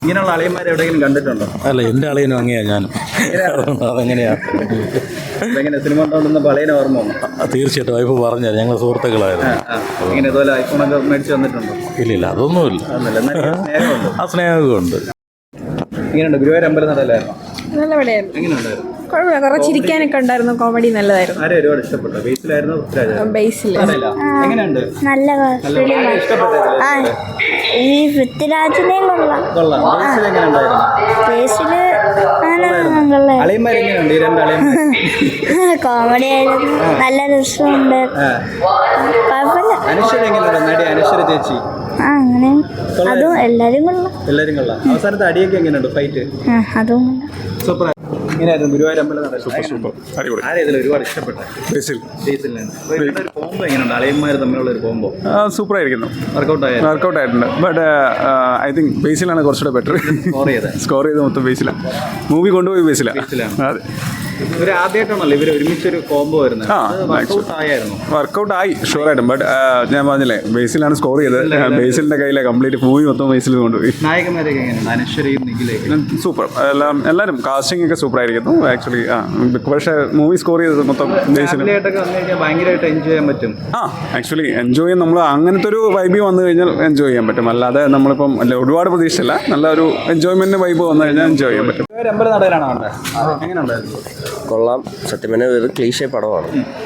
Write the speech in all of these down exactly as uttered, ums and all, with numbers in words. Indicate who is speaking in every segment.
Speaker 1: ഇങ്ങനെയുള്ള അളിയന്മാരെ എവിടെയെങ്കിലും കണ്ടിട്ടുണ്ടോ?
Speaker 2: അല്ല, എൻ്റെ അളിയനും അങ്ങനെയാ ഞാനും. അതെങ്ങനെയാ
Speaker 1: എങ്ങനെ സിനിമ കണ്ടോണ്ടിരുന്നപ്പോൾ അളിയനെ ഓർമ്മ വന്നു?
Speaker 2: തീർച്ചയായിട്ടും വൈഫ് പറഞ്ഞാൽ ഞങ്ങൾ സുഹൃത്തുക്കളായിരുന്നു.
Speaker 1: ഇങ്ങനെ ഇതുപോലെ ഐഫോണൊക്കെ മേടിച്ച് വന്നിട്ടുണ്ടോ?
Speaker 2: ഇല്ലില്ല, അതൊന്നുമില്ല. ആ സ്നേഹമൊക്കെ ഉണ്ട്.
Speaker 1: ഇങ്ങനെയുണ്ട് ഗുരുവായൂർ അമ്പലം നടയിലായിരുന്നു.
Speaker 3: നല്ല പടയായിരുന്നു.
Speaker 1: എങ്ങനെയുണ്ടായിരുന്നു?
Speaker 3: കുഴപ്പമില്ല, കുറെ ചിരിക്കാനൊക്കെ ഉണ്ടായിരുന്നു. കോമഡി നല്ലതായിരുന്നു.
Speaker 1: ആരെ ഒരുപാട് ഇഷ്ടപ്പെട്ടു? ബേസിലായിരുന്നു പൃഥ്വിരാജായിരുന്നു?
Speaker 3: ബേസിൽ
Speaker 1: എങ്ങനെയുണ്ട്?
Speaker 4: നല്ല
Speaker 1: ഇഷ്ടപ്പെട്ടു.
Speaker 4: ഈ പൃഥ്വിരാജിനെയും കൊള്ളാം.
Speaker 1: കൊള്ളാം. ബേസിൽ എങ്ങനെയുണ്ടായിരുന്നു?
Speaker 4: ബേസില്
Speaker 1: അളിയന്മാർ എങ്ങനെയുണ്ട്? ഈ രണ്ട് അളിയന്മാർ
Speaker 4: കോമഡി ആയിരുന്നു, നല്ല രസമുണ്ട്, കുഴപ്പമില്ല.
Speaker 1: അനശ്വര എങ്ങനെയുണ്ട്? നടി അനശ്വര ചേച്ചി.
Speaker 4: ആ അങ്ങനെ അതും എല്ലാരും കൊള്ളാം.
Speaker 1: എല്ലാരും കൊള്ളാം. അവസാനത്തെ അടിയൊക്കെ എങ്ങനെയുണ്ട്? ഫൈറ്റ്
Speaker 4: ആ അതും കൊള്ളാം.
Speaker 1: സൂപ്പർ. ഇങ്ങനെയായിരുന്നു ഗുരുവായൂർ അമ്പലം നട. ആരെ ഇതിൽ ഒരുപാട് ഇഷ്ടപ്പെട്ടു?
Speaker 5: ബേസിൽ.
Speaker 1: ബേസിലാണ്. ഒരു കോംബോ എങ്ങനെയുണ്ട്? അളിയന്മാർ തമ്മിലുള്ള ഒരു കോംബോ
Speaker 5: സൂപ്പർ ആയിരിക്കുന്നു.
Speaker 1: വർക്കൗട്ട് ആയിരുന്നു.
Speaker 5: വർക്കൗട്ട് ആയിട്ടുണ്ട്. ബട്ട് ഐ തിങ്ക് ബേസിലാണ് കുറച്ചുകൂടെ ബെറ്റർ.
Speaker 1: സ്കോർ ചെയ്ത്
Speaker 5: സ്കോർ ചെയ്ത് മൊത്തം ബേസിലാണ്. മൂവി കൊണ്ടുപോയി ബേസിലാണ്. അതെ,
Speaker 1: ഇവർ ആദ്യമായിട്ടാണല്ലോ ഇവർ ഒരുമിച്ചൊരു കോംബോ വരുന്നത്.
Speaker 5: വർക്കൗട്ട് ആയി ഷുവറായിട്ടും. ബട്ട് ഞാൻ പറഞ്ഞില്ലേ, ബേസിലാണ് സ്കോർ ചെയ്തത്. ബേസിലിന്റെ കയ്യിലെ കംപ്ലീറ്റ് മൂവി മൊത്തം ബേസിൽ കൊണ്ടുപോയി.
Speaker 1: നായകന്മാരൊക്കെ എങ്ങനെയുണ്ട്? അനശ്വരയും നിഖിലേക്കും
Speaker 5: സൂപ്പർ. എല്ലാം എല്ലാവരും കാസ്റ്റിംഗ് ഒക്കെ സൂപ്പർ ആയിരിക്കുന്നു ആക്ച്വലി. ആ പക്ഷേ മൂവി സ്കോർ ചെയ്തത് മൊത്തം ബേസിൽ.
Speaker 1: ഭയങ്കരമായിട്ട് എൻജോയ് ചെയ്യാൻ പറ്റും.
Speaker 5: ആ ആക്ച്വലി എൻജോയ് ചെയ്യാൻ നമ്മൾ അങ്ങനത്തെ ഒരു വൈബ് വന്നു കഴിഞ്ഞാൽ എൻജോയ് ചെയ്യാൻ പറ്റും. അല്ലാതെ നമ്മളിപ്പം അല്ല ഒരുപാട് പ്രതീക്ഷയില്ല, നല്ല ഒരു എൻജോയ്മെന്റ് വൈബ് വന്നു കഴിഞ്ഞാൽ എൻജോയ് ചെയ്യാൻ പറ്റും.
Speaker 1: അമ്പലം നടയിലാണ് കണ്ടത്. എങ്ങനെയുണ്ടായിരുന്നു?
Speaker 6: കൊള്ളാം. സത്യം പറഞ്ഞാൽ ഒരു ക്ലീഷേ പടമാണ്.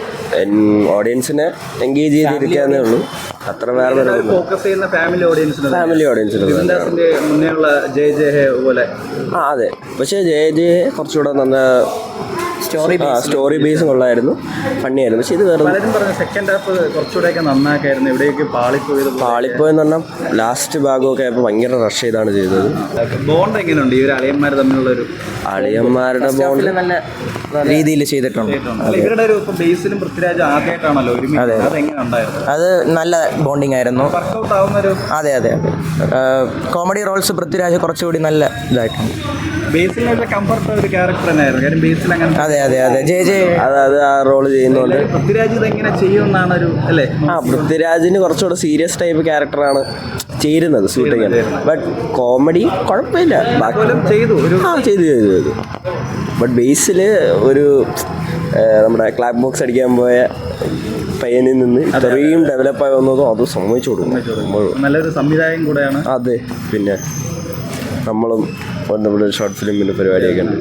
Speaker 6: ഓഡിയൻസിനെ എൻഗേജ് ചെയ്തിരിക്കാന്നേ ഉള്ളൂ. അത്ര വേറെ
Speaker 1: ഫോക്കസ് ചെയ്യുന്ന ഫാമിലി ഓഡിയൻസിന്
Speaker 6: ഫാമിലി ഓഡിയൻസിന്
Speaker 1: മുന്നേയുള്ള ജയ ജയ ഹേ പോലെ.
Speaker 6: ആ അതെ, പക്ഷേ ജയ ജയ കുറച്ചുകൂടെ നല്ല സ്റ്റോറി സ്റ്റോറി ബേസ് കൊള്ളായിരുന്നു, ഫണ്ണിയായിരുന്നു. പക്ഷെ ഇത് വേറെ
Speaker 1: പലരും പറഞ്ഞു സെക്കൻഡ് ഹാഫ് കുറച്ചുകൂടെയൊക്കെ നന്നാക്കായിരുന്നു. എവിടെയൊക്കെ പാളിപ്പോയത്
Speaker 6: പാളിപ്പോയെന്ന് പറഞ്ഞാൽ ലാസ്റ്റ് ഭാഗമൊക്കെ ആയപ്പോൾ ഭയങ്കര റഷ് ചെയ്താണ് ചെയ്തത്.
Speaker 1: ബോണ്ട് എങ്ങനെയുണ്ട്? ഈ ഒരു അളിയന്മാർ തമ്മിലുള്ള ഒരു
Speaker 6: അളിയന്മാരുടെ ബോണ്ട് നല്ല രീതിയിൽ ചെയ്തിട്ടുണ്ട്.
Speaker 1: ഇവരുടെ ഒരു ബേസിലും പൃഥ്വിരാജ് ആദ്യമായിട്ടാണല്ലോ ഒരുമിച്ച്. അതെങ്ങനെ ഉണ്ടായിരുന്നു?
Speaker 7: അത് നല്ല ബോണ്ടിങ് ആയിരുന്നു.
Speaker 1: വർക്കൗട്ട് ആവുന്ന ഒരു
Speaker 7: അതെ അതെ അതെ കോമഡി റോൾസ് പൃഥ്വിരാജ് കുറച്ചുകൂടി നല്ല ഇതായിട്ടുണ്ട്.
Speaker 1: ബേസിലുള്ള കംഫർട്ട് ഒരു ക്യാരക്ടർ തന്നെയായിരുന്നു. കാര്യം ബേസിൽ അങ്ങനെ
Speaker 7: അതെ അതെ അതെ ജെ ജെ
Speaker 6: അതായത് ആ റോള് ചെയ്യുന്നുണ്ട്.
Speaker 1: പൃഥ്വിരാജ് ഇതെങ്ങനെ ചെയ്യുമെന്നാണ് ഒരു അല്ലേ?
Speaker 6: ആ പൃഥ്വിരാജിന് കുറച്ചുകൂടെ സീരിയസ് ടൈപ്പ് ക്യാരക്ടറാണ് ചേരുന്നത് സൂട്ട് ചെയ്യാൻ. ബട്ട് കോമഡി കുഴപ്പമില്ല,
Speaker 1: ചെയ്തു ഒരു
Speaker 6: ആ ചെയ്തു ചെയ്തു ചെയ്തു ബട്ട് ബേസിൽ ഒരു നമ്മുടെ ക്ലാപ്പ് ബോക്സ് അടിക്കാൻ പോയ പയ്യനിൽ നിന്ന് ഇത്രയും ഡെവലപ്പായി വന്നതും അത് സമ്മതിച്ചു കൊടുക്കും.
Speaker 1: നല്ലൊരു സംവിധായകൻ കൂടെയാണ്.
Speaker 6: അതെ, പിന്നെ നമ്മളും നമ്മുടെ ഷോർട്ട് ഫിലിമിൻ്റെ പരിപാടിയൊക്കെ ഉണ്ട്.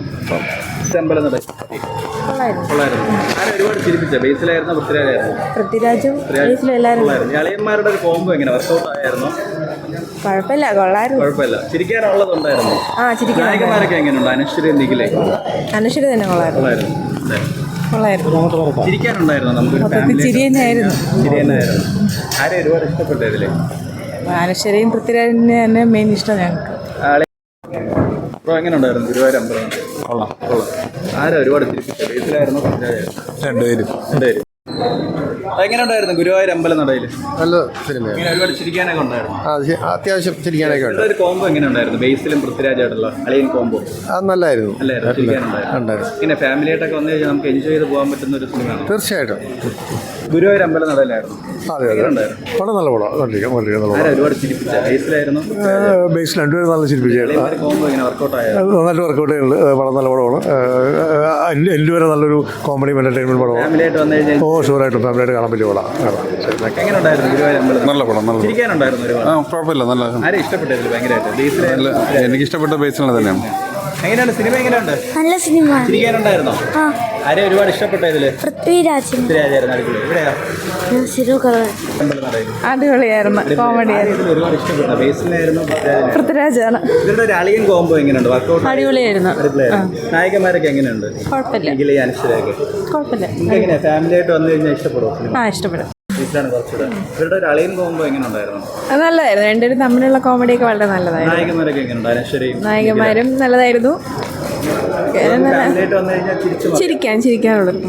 Speaker 1: ഒരുപാട് ചിരിപ്പിച്ച ബേസിലായിരുന്നു പൃഥ്വിരാജായിരുന്നു.
Speaker 3: പൃഥ്വിരാജും ബേസിലും എല്ലാവരും
Speaker 1: അളിയന്മാരുടെ ഒരു കോംബോ എങ്ങനെ വർക്കൗട്ട് ആയിരുന്നു?
Speaker 3: കുഴപ്പമില്ല, കൊള്ളായിരുന്നു.
Speaker 1: കുഴപ്പമില്ല, ചിരിക്കാനുള്ളതുണ്ടായിരുന്നു.
Speaker 3: ആ ചിരിക്കാൻ.
Speaker 1: നായകന്മാരൊക്കെ എങ്ങനെയുണ്ട്? അനശ്വര നിഖിലേ?
Speaker 3: അനശ്വര തന്നെ കൊള്ളായിരുന്നു. കൊള്ളായിരുന്നു.
Speaker 1: ചിരിക്കാനുണ്ടായിരുന്നു. നമുക്ക്
Speaker 3: ചിരി തന്നെയായിരുന്നു.
Speaker 1: ചിരി തന്നെയായിരുന്നു. ആരെ ഒരുപാട് ഇഷ്ടപ്പെട്ടു ഇതില്?
Speaker 3: അനശ്വരയും പൃഥ്വിരാജിനെ തന്നെ മെയിൻ ഇഷ്ടം ഞങ്ങൾക്ക്.
Speaker 1: എങ്ങനെ ഉണ്ടായിരുന്നു ഗുരുവായൂർ അമ്പലം? കൊള്ളാം കൊള്ളാം. ആരാ ഒരുപാട് ചിരിപ്പിച്ച? ബേസിലായിരുന്നു പൃഥ്വിരാജായിരുന്നു?
Speaker 5: രണ്ടുപേരും
Speaker 1: രണ്ടുപേരും. എങ്ങനെ ഉണ്ടായിരുന്നു ഗുരുവായൂർ അമ്പലം നടയിൽ?
Speaker 5: നല്ല സിനിമയാണ്.
Speaker 1: ഇങ്ങനെ ഒരുപാട് ചിരിക്കാനൊക്കെ ഉണ്ടായിരുന്നു.
Speaker 5: അത്യാവശ്യം ചിരിക്കാനൊക്കെ ഉണ്ട്.
Speaker 1: ഒരു കോംബോ എങ്ങനെ ഉണ്ടായിരുന്നു? ബേസിലും പൃഥ്വിരാജായിട്ടുള്ള അളിയൻ കോംബോ
Speaker 5: അത് നല്ലായിരുന്നു.
Speaker 1: അല്ലായിരുന്നു? ചിരിക്കാനുണ്ടായിരുന്നു. പിന്നെ ഫാമിലിയായിട്ടൊക്കെ വന്നു കഴിഞ്ഞാൽ നമുക്ക് എൻജോയ് ചെയ്ത് പോകാൻ പറ്റുന്ന ഒരു സിനിമയാണ്.
Speaker 5: തീർച്ചയായിട്ടും.
Speaker 1: ഗുരുവായൂർ അമ്പലം നടയിലായിരുന്നു.
Speaker 5: അതെ അതെ പടം നല്ല പടം.
Speaker 1: ആരാ ഒരുപാട് ചിരിപ്പിച്ച? ബേസിലായിരുന്നു?
Speaker 5: ബേസിൽ രണ്ടുപേരും നല്ല ചിരിപ്പിച്ചായിരുന്നു.
Speaker 1: കോംബോ ഇങ്ങനെ വർക്കൗട്ട് ആയത്
Speaker 5: നന്നായിട്ട് വർക്കൗട്ട് ചെയ്യുന്നുണ്ട്. പടം നല്ല പടമാണ്. എൻ്റെ വരെ നല്ലൊരു കോമഡി എന്റർടൈൻമെന്റ് പടമാണ്.
Speaker 1: ഫാമിലിയായിട്ട് വന്നു കഴിഞ്ഞാൽ
Speaker 5: ഓ ഷുവറായിട്ടും ഫാമിലിയായിട്ട് കാണാൻ പറ്റിയ പടം.
Speaker 1: എങ്ങനെ ഉണ്ടായിരുന്നു ഗുരുവായൂർ അമ്പലം?
Speaker 5: നല്ല പടം. നല്ല
Speaker 1: ചിരിക്കാനുണ്ടായിരുന്നു ഒരുപാട്.
Speaker 5: കുഴപ്പമില്ല, നല്ല.
Speaker 1: ആരെ ഇഷ്ടപ്പെട്ടതിൽ ഭയങ്കരമായിട്ട്? ബേസിൽ
Speaker 5: എനിക്ക് ഇഷ്ടപ്പെട്ട ബേസിലാണ് തന്നെയാണ്.
Speaker 1: എങ്ങനെയാണ് സിനിമ? എങ്ങനെയുണ്ട്?
Speaker 4: നല്ല സിനിമ.
Speaker 1: ചിരിക്കാനുണ്ടായിരുന്നോ? ആരെ ഒരുപാട് ഇഷ്ടപ്പെട്ട ഇതില്?
Speaker 4: പൃഥ്വിരാജ്.
Speaker 1: പൃഥ്വിരാജായിരുന്നു. അടിപൊളി. എവിടെയാ?
Speaker 3: അടിപൊളിയായിരുന്നു. കോമഡി ആയിരുന്നു.
Speaker 1: ഒരുപാട് ഇഷ്ടപ്പെട്ട ബേസിലായിരുന്നു
Speaker 3: പൃഥ്വിരാജാണ്.
Speaker 1: ഇവരുടെ ഒരു അളിയൻ കോംബോ എങ്ങനെയുണ്ട്? വർക്കൗട്ട്
Speaker 3: അടിപൊളിയായിരുന്നു.
Speaker 1: നായകന്മാരൊക്കെ എങ്ങനെയുണ്ട്?
Speaker 3: കുഴപ്പമില്ല.
Speaker 1: നിഖില, അനശ്വരയൊക്കെ
Speaker 3: കുഴപ്പമില്ല.
Speaker 1: എങ്ങനെയാ ഫാമിലി ആയിട്ട് വന്നു കഴിഞ്ഞാൽ ഇഷ്ടപ്പെടുമോ?
Speaker 3: ആ ഇഷ്ടപ്പെടും.
Speaker 1: കുറച്ചുകൂടെ ഇവരുടെ ഒരു അളിയൻ കോംബോ എങ്ങനെ ഉണ്ടായിരുന്നു?
Speaker 3: നല്ലതായിരുന്നു. രണ്ടുപേരും തമ്മിലുള്ള കോമഡിയൊക്കെ വളരെ നല്ലതായിരുന്നു.
Speaker 1: നായകന്മാരൊക്കെ എങ്ങനെയുണ്ട്? അനശ്വരയും
Speaker 3: നായകന്മാരും നല്ലതായിരുന്നു.
Speaker 1: ഫാമിലി ആയിട്ട് വന്നു കഴിഞ്ഞാൽ
Speaker 3: ചിരിക്കാൻ ചിരിക്കാനുള്ളത്.